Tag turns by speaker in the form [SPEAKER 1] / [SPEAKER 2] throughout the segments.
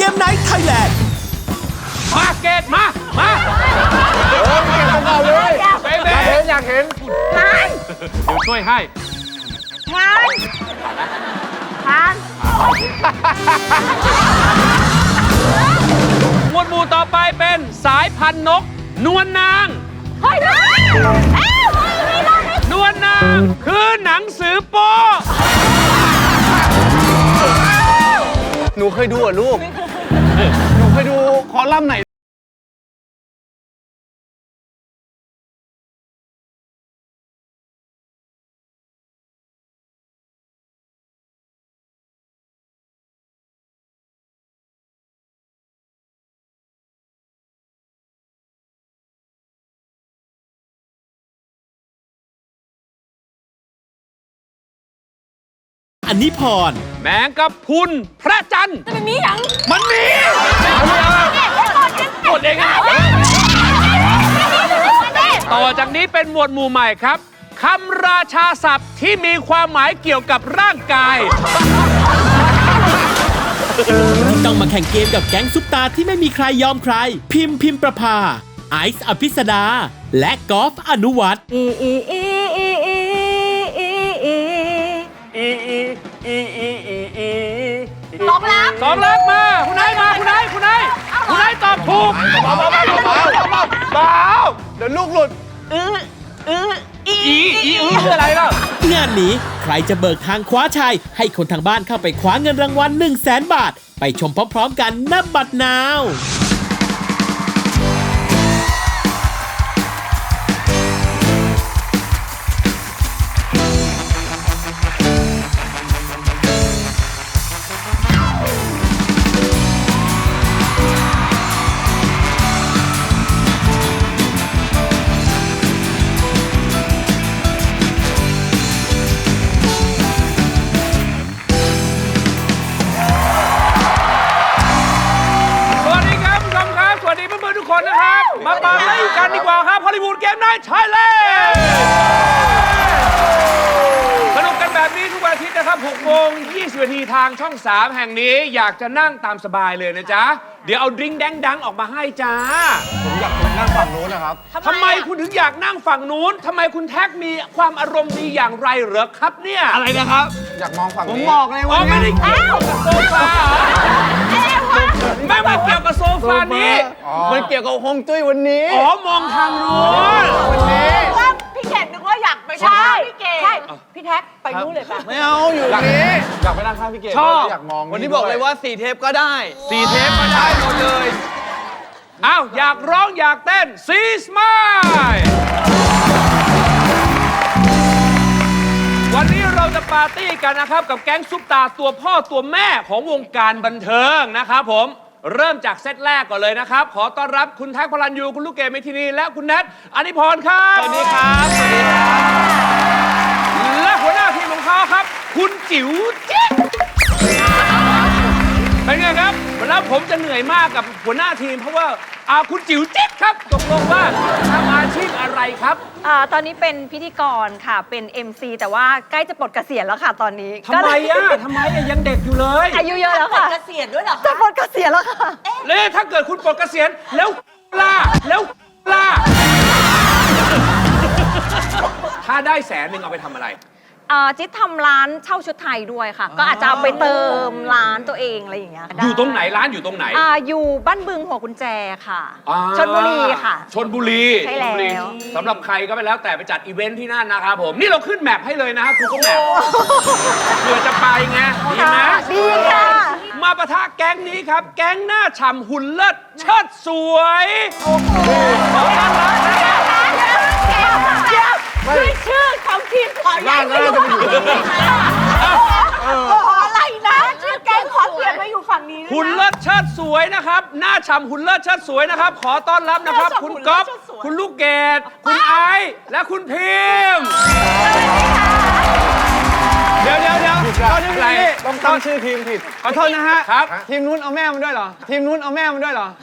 [SPEAKER 1] มไนท์ไทยแลนด์
[SPEAKER 2] มาเกตมา
[SPEAKER 3] เก็บกันเอาเลย
[SPEAKER 2] เบ๊
[SPEAKER 3] อยากเห็น
[SPEAKER 2] เดี๋ยวช่วยให้
[SPEAKER 4] ทาน
[SPEAKER 2] หมวดหมู่ต่อไปเป็นสายพันธุ์นกนวลนางนวลนางคือหนังสือโป๊
[SPEAKER 3] หนูเคยดูเหรอลูก หนูเคยดูคอลัมน์ไหน
[SPEAKER 1] อันนี้พร
[SPEAKER 2] แมงกะพรุนพระจันทร์
[SPEAKER 4] มันมีอย่าง
[SPEAKER 2] มันมีหมดเองต่อจากนี้เป็นหมวดหมู่ใหม่ครับคำราชาศัพท์ที่มีความหมายเกี่ยวกับร่างกาย
[SPEAKER 1] ต้องมาแข่งเกมกับแก๊งซุปตาที่ไม่มีใครยอมใครพิมประภาไอซ์อภิสดาและกอล์ฟอนุวัฒน์
[SPEAKER 4] สองลัก
[SPEAKER 2] มาคุณนายมาคุณนายตอบถูก
[SPEAKER 3] เบาเดี๋ยวลูกหลุด
[SPEAKER 2] อีอะไรล่ะ
[SPEAKER 1] งานนี้ใครจะเบิกทางคว้าชัยให้คนทางบ้านเข้าไปคว้าเงินรางวัล 100,000 บาทไปชมพร้อมๆกันณบัดนาว
[SPEAKER 2] คนนะครับมาปาร์ตี้กันดีกว่าครับฮอลลีวูดเกมไนท์ไทยแลนด์สนุกกันแบบนี้ทุกวันอาทิตย์นะครับ6:20 นาทีทางช่อง 3 แห่งนี้อยากจะนั่งตามสบายเลยนะจ๊ะเดี๋ยวเอาดริงก์แดงดังออกมาให้จ้า
[SPEAKER 3] ผมอยากนั่งฝั่งนู้นนะครับ
[SPEAKER 2] ทำไมคุณถึงอยากนั่งฝั่งนู้นทำไมคุณแท็กมีความอารมณ์ดีอย่างไรเหรอครับเนี่ย
[SPEAKER 3] อะไรนะครับอยากมองฝั่งนี้ผมบอกเลยว่า
[SPEAKER 2] ไม่ได้เกี่ยวกับโซฟาไม่เกี่ยวกับโซฟานี้
[SPEAKER 3] มันเกี่ยวกับฮวงจุ้ยวันนี้
[SPEAKER 2] มองทางนู้น
[SPEAKER 3] วันนี้
[SPEAKER 4] ว่าพี่เกดนึกว่าอยากไปใช่พี่เกดใช่พี่แท็กไปนู้นเลยป่ะ
[SPEAKER 3] ไม่เอาอยู่นี้อยากไปนั่งข้างพี่เกดอยากมอง
[SPEAKER 5] วันนี้บอกเลยว่า4 เทปก็ได้
[SPEAKER 2] 4 เทปก็ได้หมดเลยอ้าวอยากร้องอยากเต้นซีสมายวันนี้เราจะปาร์ตี้กันนะครับกับแก๊งซุปตาตัวพ่อตัวแม่ของวงการบันเทิงนะครับผมเริ่มจากเซตแรกก่อนเลยนะครับขอต้อนรับคุณแท็กพลันยูคุณลูกเกดเมทินีและคุณแนทอนิพรครับ
[SPEAKER 5] สวัสดีครับสวัสดีครับ
[SPEAKER 2] และหัวหน้าทีมของเขาครับคุณจิ๋วจิ๊กเป็นไงครับแล้วผมจะเหนื่อยมากกับหัวหน้าทีมเพราะว่าคุณจิ๋วจิ๊กครับตกลงว่าทำอาชีพอะไรครับ
[SPEAKER 4] ตอนนี้เป็นพิธีกรค่ะเป็น MC แต่ว่าใกล้จะปลดเกษียณแล้วค่ะตอนนี้
[SPEAKER 2] ทำไมยังเด็กอยู่เลย
[SPEAKER 4] อายุเยอะแล้วค่ะเกษียณด้วยเหรอจะปลดเกษียณแล้วค่ะ
[SPEAKER 2] เลยถ้าเกิดคุณปลดเกษียณแล้วถ้าได้100,000เอาไปทำอะไร
[SPEAKER 4] จิ๊ดทำร้านเช่าชุดไทยด้วยค่ะก็อาจจะเอาไปเติมร้านตัวเองอะไรอย่างเงี้ย
[SPEAKER 2] อยู่ตรงไหนร้านอยู่ตรงไหน
[SPEAKER 4] อยู่บ้านบึงหัวกุญแจค่ะชลบุรีค่ะ
[SPEAKER 2] ชลบุรี
[SPEAKER 4] ใช่แล้ว
[SPEAKER 2] สำหรับใครก็ไปแล้วแต่ไปจัดอีเวนท์ที่นั่นนะครับผมนี่เราขึ้นแมปให้เลยนะครับคุณก็แมปเพื่อจะไปไงดีไหม
[SPEAKER 4] ดีค่ะ
[SPEAKER 2] มาปะทะแก๊งนี้ครับแก๊งหน้าฉ่ำหุ่นเลิศเชิดสวยขอต้อนรับ
[SPEAKER 4] ด้วยชื่อของทีมขอย้ายไปอยู่ฝั่งนี้อะไรนะชื่อแก๊งขอเปลี่ยนมาอยู่ฝั่งนี้
[SPEAKER 2] หุ่นเลิศเชิดสวยนะครับหน้าฉ่ำหุ่นเลิศเชิดสวยนะครับขอต้อนรับนะครับคุณก๊อฟคุณลูกเกดคุณไอซ์และคุณพิม
[SPEAKER 3] เดี๋ยวตอนนี้ต้องตั้งชื่อทีมผิดขอโทษนะฮะ
[SPEAKER 2] ครับ
[SPEAKER 3] ทีมนู้นเอาแม่มันด้วยเหรอทีมนู้นเอาแม่มันด้วยเหรอ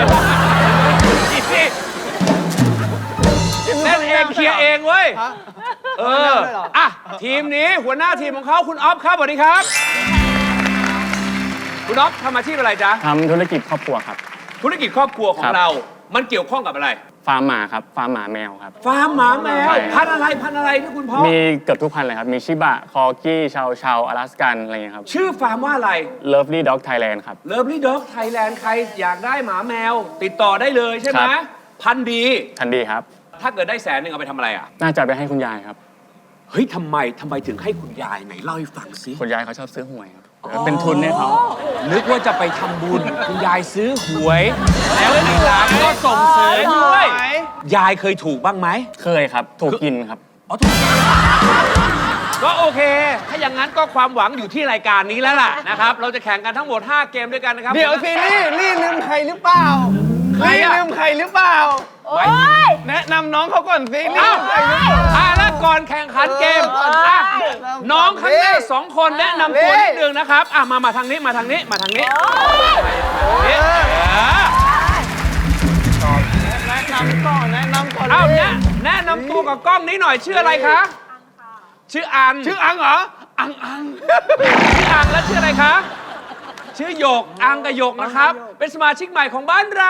[SPEAKER 2] เล่นเองเคลียร์เองเว้ยทีมนี้หัวหน้าทีมของเขาคุณออฟครับสวัสดีครับคุณอ๊อฟทำอาชีพอะไรจ๊ะ
[SPEAKER 6] ทำธุรกิจครอบครัวครับ
[SPEAKER 2] ธุรกิจครอบครัวของ
[SPEAKER 6] ครับ
[SPEAKER 2] เรา มันเกี่ยวข้องกับอะไร
[SPEAKER 6] ฟาร์มหมาครับ ฟาร์มหมาแมวครับ
[SPEAKER 2] ฟาร์มหมาแมว
[SPEAKER 6] ใช่
[SPEAKER 2] พันธุ์อะไรที่คุณพ่อ
[SPEAKER 6] มีเกือบทุกพันธุ์เลยครับ มีชิบะ คอกี้ ชาวชาวอลาสกัน อะไรอย่างเงี้ยครับ
[SPEAKER 2] ชื่อฟาร์มว่าอะไร
[SPEAKER 6] Lovely Dog Thailand ครับ
[SPEAKER 2] Lovely Dog Thailand ใครอยากได้หมาแมว ติดต่อได้เลยใช่ไหม
[SPEAKER 6] ครับ
[SPEAKER 2] พันธุ์ดี
[SPEAKER 6] ทันดีครับ
[SPEAKER 2] ถ้าเกิดได้100,000เอาไปทำอะไรอ่ะ
[SPEAKER 6] น่าจะไปให้คุณยายครับ
[SPEAKER 2] เฮ้ยทำไมถึงให้คุณยายไหนเล่าให้ฟังสิ
[SPEAKER 6] คุณยายเขาชอบซื้อหวยครับ เป็นทุนให้เขา
[SPEAKER 2] นึกว่าจะไปทำบุญ คุณยายซื้อหวย แล้วทีหลังก็ส่งเสริมด้วย ยายเคยถูกบ้างไหม
[SPEAKER 6] เคยครับ ถูกกินครับ
[SPEAKER 2] อ๋อถูกก็โอเค ถ้าอย่างนั้นก็ความหวังอยู่ที่รายการนี้แล้วล่ะนะครับ เราจะแข่งกันทั้งหมด 5 เกมด้วยกันนะครับ
[SPEAKER 3] เดี๋ยวสิลี่ลืมใครหรือเปล่า
[SPEAKER 2] ใคร
[SPEAKER 3] ลี่
[SPEAKER 2] อะ
[SPEAKER 3] ลืมใครหรือเปล่า
[SPEAKER 2] ไว้
[SPEAKER 3] แนะนำน้องเขาก่อนสิลี่
[SPEAKER 2] เอ้า
[SPEAKER 3] ลืมใครหรือเปล่า
[SPEAKER 2] แล้วก่อนแข่งขันเกมอ่ะน้องข้างหน้า2 คนแนะนำตัวนิดนึงนะครับมาทางนี้มาทางนี้มาทางนี้เออ
[SPEAKER 3] แนะนำก่อนแนะนำก่อน
[SPEAKER 2] เอ้าแนะนำตัวกับกล้องนี้หน่อยชื่ออะไรคะชื่ออัน
[SPEAKER 3] ชื่ออังเหรอ
[SPEAKER 2] ชื่ออังแล้วชื่ออะไรคะ ชื่อหยก อังกับหยกนะครับ เป็นสมาชิกใหม่ของบ้านเรา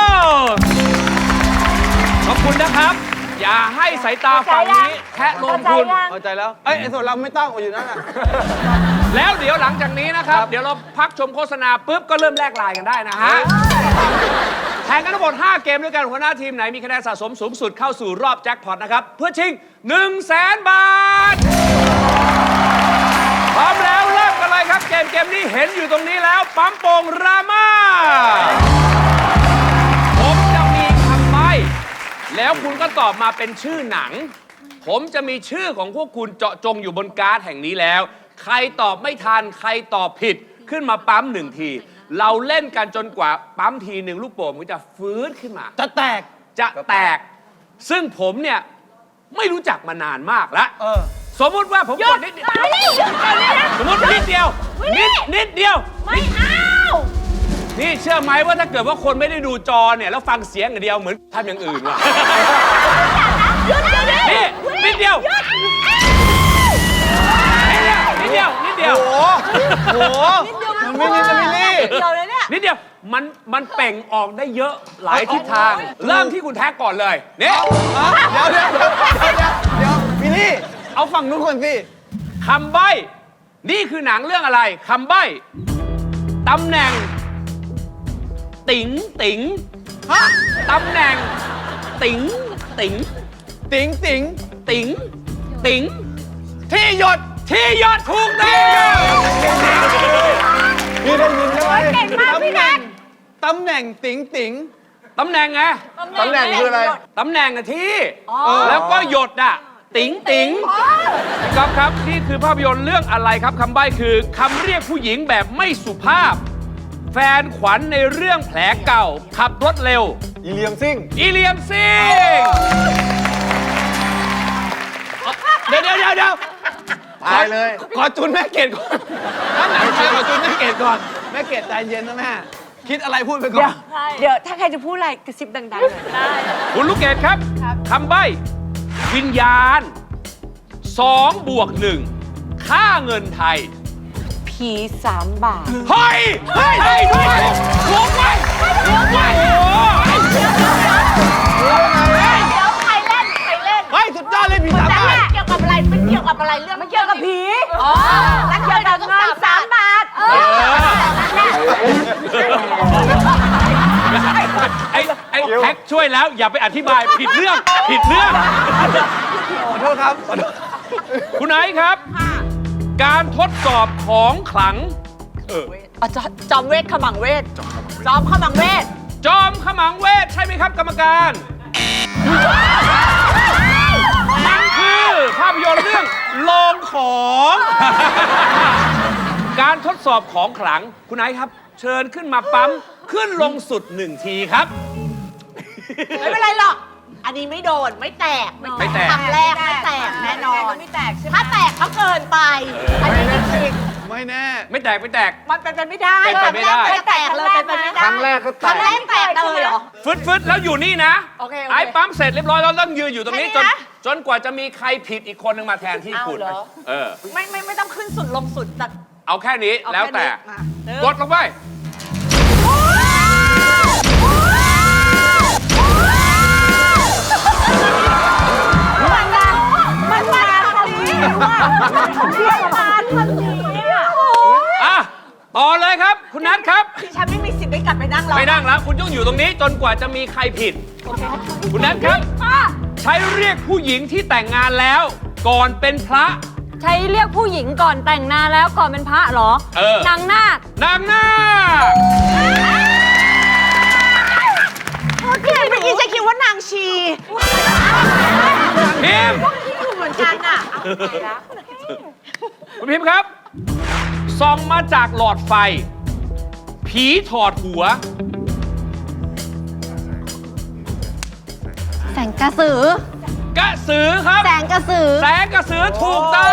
[SPEAKER 2] ขอบคุณนะครับ อย่าให้สายตาฝั่งนี้แทะลมคุณ
[SPEAKER 3] เข้าใจแล้วไอ้ส่วนเราไม่ต้องอยู่นั่นน่ะ
[SPEAKER 2] แล้วเดี๋ยวหลังจากนี้นะครับ เดี๋ยวเราพักชมโฆษณาปุ๊บก็เริ่มแลกไลน์กันได้นะฮะ แข่งกันทั้งหมด 5 เกมด้วยกันหัวหน้าทีมไหนมีคะแนนสะสมสูงสุดเข้าสู่รอบแจ็คพอตนะครับ เพื่อชิง 100,000 บาท พร้อมแล้วเริ่มกันเลยครับ เกมนี้เห็นอยู่ตรงนี้แล้ว ปั๊มโป่งรามาผมจะมีคำใบ้แล้วคุณก็ตอบมาเป็นชื่อหนัง ผมจะมีชื่อของพวกคุณเจาะจงอยู่บนการ์ดแห่งนี้แล้ว ใครตอบไม่ทันใครตอบผิดขึ้นมาปั๊ม1 ที เราเล่นกันจนกว่าปั๊มทีหนึ่งลูกโป่งมันจะฟื้นขึ้นมา
[SPEAKER 3] จะแตก
[SPEAKER 2] จะแตก ซึ่งผมเนี่ยไม่รู้จักมานานมากแล้ว สมมุติว่าผมกดนิดเดียวสมมตินิดเดียวนิดเดียว
[SPEAKER 4] ไม่เอา
[SPEAKER 2] นี่เชื่อไหมว่าถ้าเกิดว่าคนไม่ได้ดูจอเนี่ยแล้วฟังเสียงอย่างเดียวเหมือนทำอย่างอื่นว่ะ นี่นิดเดียวนิดเดียว
[SPEAKER 3] โอ้โหมันไม่นิดนะมิลลี่
[SPEAKER 4] เดี๋ยวเลยเนี่ย
[SPEAKER 2] นิดเดียวมันเป่งออกได้เยอะหลายทิศทาง เริ่มที่คุณแท็กก่อนเลยนี่
[SPEAKER 3] เดี๋ยวมิลลี่ เอาฝั่งนู้นก่อนสิ
[SPEAKER 2] คำใบ้นี่คือหนังเรื่องอะไรคำใบ้ตำแหน่ง ติ๋งตำแหน่ง ติ๋ง
[SPEAKER 3] ติ๋ง ที่หยด
[SPEAKER 2] ถูกต้อง
[SPEAKER 3] พี่ได้ยินใช่ไหม
[SPEAKER 4] เก่งมากพี่แน็ก
[SPEAKER 3] ตำแหน่งติ๋ง
[SPEAKER 2] ตำแหน่งไง
[SPEAKER 3] ตำแหน่งคืออะไร
[SPEAKER 2] ตำแหน่งอะที่แล้วก็หยดอะติ๋งพี่ก๊อฟครับนี่คือภาพยนตร์เรื่องอะไรครับคำใบ้คือคำเรียกผู้หญิงแบบไม่สุภาพ แฟนขวัญในเรื่องแผลเก่า ขับรถเร็ว
[SPEAKER 3] อีเลียมซิ่ง
[SPEAKER 2] อีเลียมซิงเดี๋ยว
[SPEAKER 3] ตายเลย
[SPEAKER 2] ขอจุนแม่เกดก่อนถ้าหนังไทยขอจุนแม่เกดก่อน
[SPEAKER 3] แม่เกดใจเย็นนะแม่ คิดอะไรพูดไปก่อน
[SPEAKER 4] เดี๋ยวถ้าใครจะพูดอะไรกระซิบดังๆหน่อยได้
[SPEAKER 2] คุณลูกเกดครับคำใบ้วิญญาณ2 บวก 1 ค่าเงินไทย
[SPEAKER 4] ผี3 บาท
[SPEAKER 2] เฮ้ยด้วยลงไปโอ้โห
[SPEAKER 4] เดี๋ยวใครเล่น
[SPEAKER 3] เฮ้ย สุดยอดเลยพี่สามบาท
[SPEAKER 4] เกี่ยวกับอะไรมันเกี่ยวกับอะไรเรื่องมันเกี่ยวกับผีอ๋อแล้วเกี่ยวกับเงิน3 บาท
[SPEAKER 2] ไอ้แท็กช่วยแล้วอย่าไปอธิบายผิดเรื่อง
[SPEAKER 3] ขอโทษครับ
[SPEAKER 2] คุณไอซ์ครับ การทดสอบของขลัง
[SPEAKER 4] จอมเวทขมังเวทจอมขมังเวท
[SPEAKER 2] จอมขมังเวทใช่ไหมครับกรรมการนั่นคือภาพยนตร์เรื่องโลงของ การทดสอบของขลังคุณไอซ์ครับ เชิญขึ้นมาปั๊มขึ้นลงสุด1 ทีครับ
[SPEAKER 4] ไม่เป็นไรหรอกอันนี้ไม่โดนไม่แตก
[SPEAKER 2] ไม่แตก
[SPEAKER 4] คำแรกไม่แตกแน่นอนไม่แตกใช่ไหมถ้าแตกก็เกินไปอันนี้ไม่จริง
[SPEAKER 3] ไม่แน่
[SPEAKER 2] ไม่แตก
[SPEAKER 4] มันเป็นไปไม่ได้
[SPEAKER 2] เป็นไปไม่ได้
[SPEAKER 4] ไม่แตกเลยเป็นไปไม่ได้
[SPEAKER 3] ครั้งแรกก็แตก
[SPEAKER 4] ครั้งแรกแตกเลยเหรอ
[SPEAKER 2] ฟึดแล้วอยู่นี่นะ
[SPEAKER 4] โอเค
[SPEAKER 2] ไอ้ปั๊มเสร็จเรียบร้อยแล้วต้องยืนอยู่ตรงนี้
[SPEAKER 4] แค่นี้นะ
[SPEAKER 2] จนกว่าจะมีใครผิดอีกคนหนึ่งมาแทนที่คุณ
[SPEAKER 4] เอาเหรอ
[SPEAKER 2] เออ
[SPEAKER 4] ไม่ต้องขึ้นสุดลงสุดแต่
[SPEAKER 2] เอาแค่นี้
[SPEAKER 4] เอา
[SPEAKER 2] แล้ว
[SPEAKER 4] ค่
[SPEAKER 2] แต่
[SPEAKER 4] นี้มาก
[SPEAKER 2] ดลงไป
[SPEAKER 4] มันมาทางนี้ว่ะมันเรียกมาทางนี้อ่ะ
[SPEAKER 2] อ่ะ ต่อเลยครับ คุณนัทครับ
[SPEAKER 4] ดิฉันไม่มีสิทธิ์ได้กลับไปนั่งรอ
[SPEAKER 2] ไม่นั่งแล้ว คุณต้องอยู่ตรงนี้จนกว่าจะมีใครผิด คุณนัทครับ ใช้เรียกผู้หญิงที่แต่งงานแล้ว ก่อนเป็นพระ
[SPEAKER 7] ใช้เรียกผู้หญิงก่อนแต่งงานแล้วก่อนเป็นพระเหรอ
[SPEAKER 2] เออ
[SPEAKER 7] นางนาคน
[SPEAKER 2] างนาค
[SPEAKER 4] โอเคเมื่อกี้จะคิดว่านางชี
[SPEAKER 2] พิมพ์
[SPEAKER 4] เหมือนกันอ่ะ
[SPEAKER 2] คุณพิมพ์ครับ ส่องมาจากหลอดไฟ ผีถอดหัว
[SPEAKER 7] แสงกระสือ
[SPEAKER 2] กระสือครับ
[SPEAKER 7] แสงกระสือ
[SPEAKER 2] แสงกระสือถูกต้อง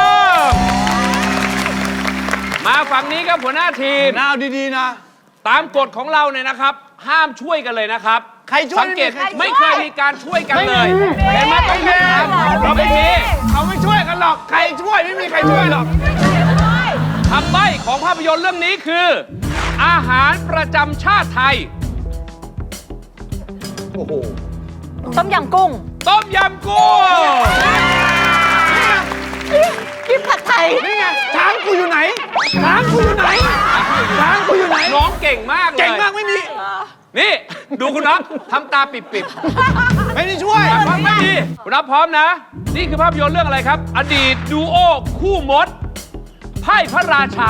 [SPEAKER 2] มาฝั่งนี้ครับหัวหน้าทีม
[SPEAKER 3] น่าเอาดีๆนะ
[SPEAKER 2] ตามกฎของเราเนี่ยนะครับ ห้ามช่วยกันเลยนะครับ
[SPEAKER 3] ใครช่วย
[SPEAKER 2] สังเกต
[SPEAKER 3] ไม่มีใครช่วย
[SPEAKER 2] ไม่เคยมีการช่วยกันเลยเห็นไหมต้องมีเราไม่มี
[SPEAKER 3] เขาไม่ช่วยกันหรอก ใครช่วยไม่มีใครช่วยหรอก
[SPEAKER 2] คำใบ้ของภาพยนตร์เรื่องนี้คือ อาหารประจำชาติไทย
[SPEAKER 3] โอ้โห
[SPEAKER 7] ต้มยำกุ้ง
[SPEAKER 2] ต้มยำกุ้ง
[SPEAKER 4] กินผัดไทย
[SPEAKER 3] นี่ไงช้างกูอยู่ไหน ช้างกูอยู่ไหน ช้างกูอยู่ไหน
[SPEAKER 2] ร้องเก่งมากเลย
[SPEAKER 3] เก่งมากไม่มี
[SPEAKER 2] นี่ ดูคุณน็อตทำตาปิด
[SPEAKER 3] ไม่ได้ช่วย
[SPEAKER 2] ๆฟังไม่ดีคุณน็อตพร้อมนะ นี่คือภาพยนตร์เรื่องอะไรครับ อดีตดูโอคู่มดไพ่พระราชา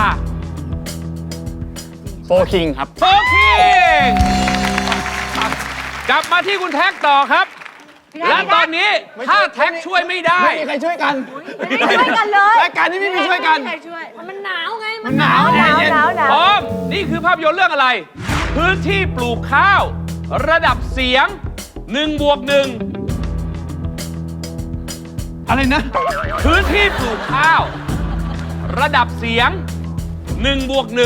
[SPEAKER 6] โฟคิงครับ
[SPEAKER 2] โฟคิงกลับมาที่คุณแท็กต่อครับ และตอนนี้ถ้าแท็กช่วยไม่ได้
[SPEAKER 3] ไม่มีใครช่วยกัน
[SPEAKER 4] ไม่ช่วยกันเลย
[SPEAKER 3] รายการนี้ไม่มีช่วยกัน
[SPEAKER 7] มันหนาวไง
[SPEAKER 3] มันหนาว
[SPEAKER 4] หนาว
[SPEAKER 3] เย็น
[SPEAKER 4] หนาวหนาว
[SPEAKER 2] พร้อม นี่คือภาพยนตร์เรื่องอะไร พื้นที่ปลูกข้าว ระดับเสียง1+1
[SPEAKER 3] อะไรนะ
[SPEAKER 2] พื้นที่ปลูกข้าว ระดับเสียง1+1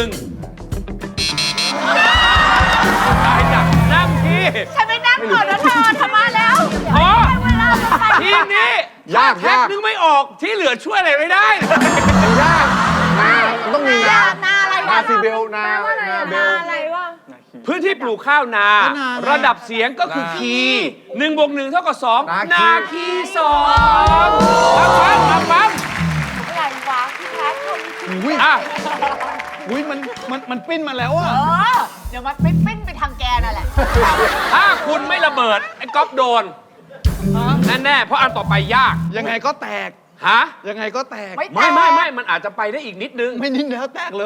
[SPEAKER 2] ได้จ้ะนั่งที่
[SPEAKER 4] ฉันไม่นั่งก่อนนะเธอทำมาแล้ว
[SPEAKER 2] พอ
[SPEAKER 4] เวลาจะไป
[SPEAKER 2] ทีมนี้
[SPEAKER 3] ยาก
[SPEAKER 2] แท็ก
[SPEAKER 3] ยาก
[SPEAKER 2] นึกไม่ออกที่เหลือช่วยอะไรไม่ได้
[SPEAKER 3] ยากนามันต้องมีนา
[SPEAKER 4] นาอะไร
[SPEAKER 3] นาซีเบล นาเบล
[SPEAKER 4] อะไรวะ
[SPEAKER 2] พื้นที่ปลูกข้าวนา
[SPEAKER 3] นา
[SPEAKER 2] ระดับเสียงก็คือคี1+1 เท่ากับ 2 นาคี2ปั๊ม
[SPEAKER 4] อะไรวะพี่แท็กเขา
[SPEAKER 3] อุ้ย
[SPEAKER 2] อ่ะ
[SPEAKER 3] อุ้ยมันปิ้นมาแล้วอะ
[SPEAKER 4] เดี๋ยวมันไม่ปิ้นไปทางแกนั่นแหละ
[SPEAKER 2] ถ้าคุณไม่ระเบิด ไอ้ก๊อฟโดน แน่ ๆ เพราะอันต่อไปยาก
[SPEAKER 3] ยังไงก็แตก
[SPEAKER 2] ฮะ
[SPEAKER 3] ยังไงก็แตก
[SPEAKER 2] ไม่ มันอาจจะไปได้อีกนิดนึง
[SPEAKER 3] ไม่นิดแล้วแตกเลย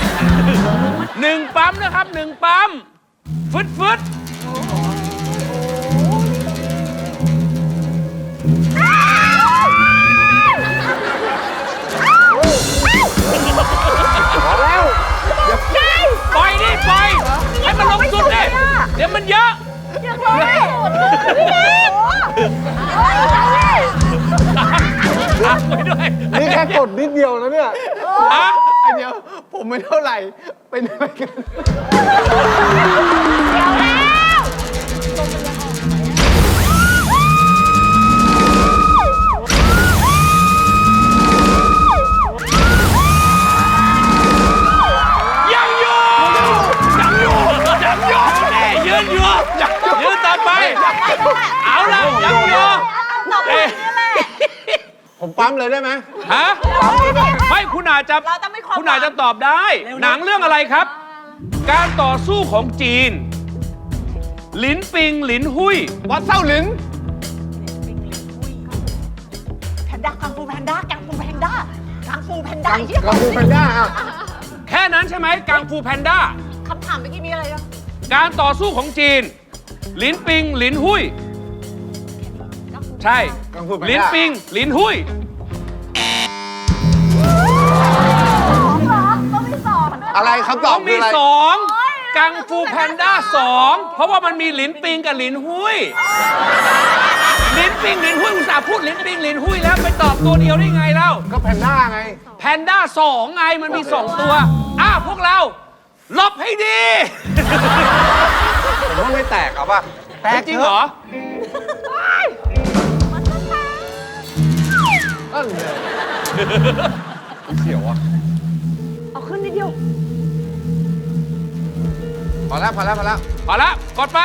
[SPEAKER 2] 1 ปั๊มนะครับ 1 ปั๊ม ฟึดปล่อยดิปล่อยให้มันลงสุดดิเดี๋ยวมันเยอะพักไว้ด้วย
[SPEAKER 3] นี่แค่กดนิดเดียวนะเนี่ย
[SPEAKER 2] อ่ะ
[SPEAKER 3] ไอเดียวผมไม่เท่าไหร่ เป็นอะไรกัน
[SPEAKER 2] ยังอยู่นี่ยืนอยู่ยืนต่อไป เอาละยังอยู่เอ๊ะ
[SPEAKER 3] ผมปั๊มเลยได้ไหม
[SPEAKER 2] ฮะไม่คุณอาจจะ
[SPEAKER 4] เราต้องไม่ความ
[SPEAKER 2] คุณอาจจะตอบได้ หนังเรื่องอะไรครับ การต่อสู้ของจีน หลินปิง หลินหุย
[SPEAKER 3] วัดเส้าหลิน
[SPEAKER 4] แพนด้ากังฟูแพนด้ากังฟูแพนด้ากังฟูแพนด้า
[SPEAKER 3] กังฟูแพนด้าอะ
[SPEAKER 2] แค่นั้นใช่ไหมกังฟูแพนด้า
[SPEAKER 4] คำถามเมื่อกี้มีอะไรอ่ะ
[SPEAKER 2] การต่อสู้ของจีน หลินปิง หลินหุย ใช่
[SPEAKER 3] กังฟูแพนด้า
[SPEAKER 2] หลินปิง หลินหุย
[SPEAKER 4] ต้องมีสองด้วย
[SPEAKER 3] อะไรครับต
[SPEAKER 2] ต้
[SPEAKER 3] อ
[SPEAKER 2] อบ ง
[SPEAKER 3] คื
[SPEAKER 2] มี
[SPEAKER 3] ออะไร
[SPEAKER 2] 2 กังฟูแพนด้า 2 เพราะว่ามันมีหลินปิงกับหลินหุย หลินปิง หลินหุยอุตส่าห์พูดหลินปิง หลินหุยแล้วไปตอบตัวเดียวได้ไงเล่า
[SPEAKER 3] ก็แพนด้าไง
[SPEAKER 2] แพนด้า 2 ไงมันมี 2 ตัวพวกเราหลบให้ดี
[SPEAKER 3] ผมว่าไม่แตกเอาป่ะ แตก
[SPEAKER 2] จริงเหรอ
[SPEAKER 3] นั่นเลยเสียวอ่ะ
[SPEAKER 4] เอาขึ้น
[SPEAKER 3] พอแล้ว
[SPEAKER 2] พอแล้วกดไป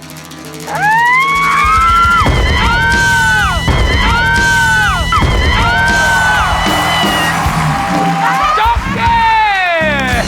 [SPEAKER 2] จบเกม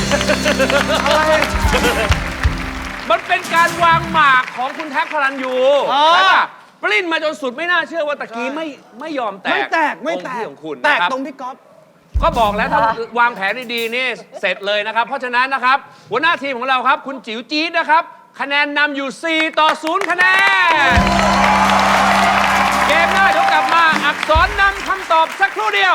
[SPEAKER 2] มันเป็นการวางหมากของคุณแท็กพลันยูใช่ป่ะปลิ้นมาจนสุดไม่น่าเชื่อว่าตะกี้ไม่ยอมแตก
[SPEAKER 3] ไม่แตก
[SPEAKER 2] ตรงที่ของคุณ
[SPEAKER 3] แตก
[SPEAKER 2] นะครับ
[SPEAKER 3] ตรงพี่ก๊อฟ
[SPEAKER 2] ก็บอกแล้วถ้าวางแผนดีๆนี่เสร็จเลยนะครับ เพราะฉะนั้นนะครับหัวหน้าทีมของเราครับ คุณจิ๋วจี๊ดนะครับ คะแนนนำอยู่ 4-0 คะแนน เกมหน้าเดี๋ยวกลับมาอักษรนำคำตอบสักครู่เดียว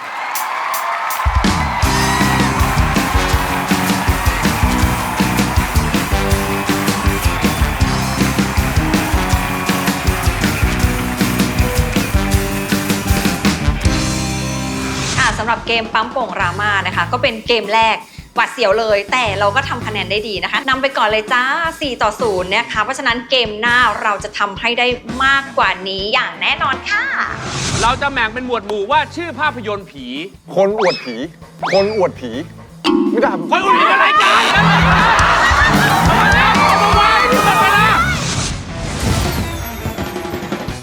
[SPEAKER 4] สำหรับเกมปั๊มโป่งรามานะคะ ก็เป็นเกมแรกหวาดเสียวเลย แต่เราก็ทำคะแนนได้ดีนะคะนำไปก่อนเลยจ้า 4-0 นะคะเพราะฉะนั้นเกมหน้าเราจะทำให้ได้มากกว่านี้อย่างแน่นอนค่ะ
[SPEAKER 2] เราจะแบ่งเป็นหมวดหมู่ว่าชื่อภาพยนตร์ผี
[SPEAKER 3] คนอวดผี คนอวดผี ไม่ได้
[SPEAKER 2] คนอื่นมีอะไรกัน